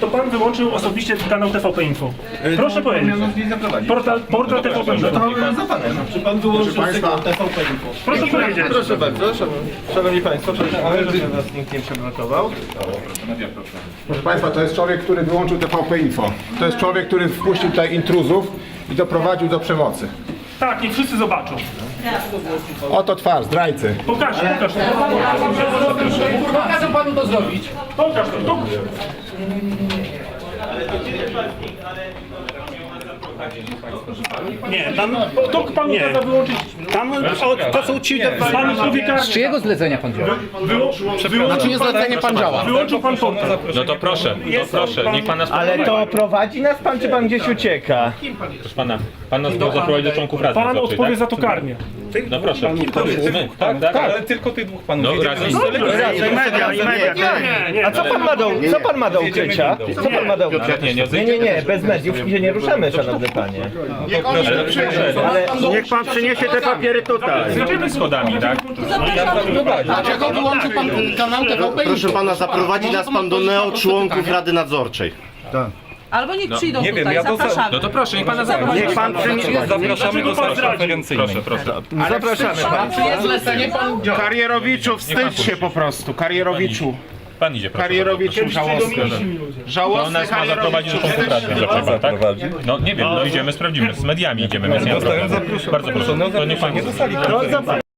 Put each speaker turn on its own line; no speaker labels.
To pan wyłączył osobiście kanał TVP Info. Proszę powiedzieć. Portal TVP Info.
Za panem. Czy pan wyłączył sygnał TVP Info?
Proszę powiedzieć.
Proszę bardzo, szanowni państwo, ale żeby nas nikt nie przeblokował.
Proszę Państwa, to jest człowiek, który wyłączył TVP Info. To jest człowiek, który wpuścił tutaj intruzów i doprowadził do przemocy.
Tak, niech wszyscy zobaczą.
Oto twarz, zdrajcy.
Pokaż to.
Pokażę panu to zrobić.
Pokaż to. Nie, tam to panu każe wyłączyć.
Tam to są ci...
Pan mówi
Z czyjego zlecenia pan działa?
Na
czyje zlecenie pan działa?
Wyłączył pan portal.
No to proszę, niech pan nas
Ale to prowadzi nas pan, czy pan gdzieś ucieka?
proszę pana, pan nas miał zaprowadzić do członków Rady
Pan
Nadzorczej,
odpowie
tak?
za to karnie.
No proszę. My, tak?
Ale tylko tych dwóch panów.
No razem.
Nie.
A co pan ma do ukrycia? Co pan ma do ukrycia? Nie, bez mediów się nie ruszamy, szanowny panie.
Niech pan przyniesie te papiery tutaj.
Zjedziemy schodami, tak?
Dlaczego wyłączył pan kanał TVP?
Proszę pana, zaprowadzi nas pan do neoczłonków Rady Nadzorczej.
Albo niech przyjdą
Nie wiem,
tutaj,
ja to
zapraszamy.
No to proszę, niech pana zaprowadzi.
Niech pan przyniesie.
Zapraszamy do sali konferencyjnej.
Proszę.
Zapraszamy pana.
Czyje zlecenie pan działa?
Karierowiczu, wstydź się po prostu. Karierowiczu.
Pan idzie, proszę.
Karierowiczu żałosny.
To
Żałosny
nas ma zaprowadzić do członków Rady Nadzorczej, tak? No nie wiem, no idziemy, sprawdzimy. Z mediami idziemy, więc nie ma problemu. Bardzo proszę, to niech pan...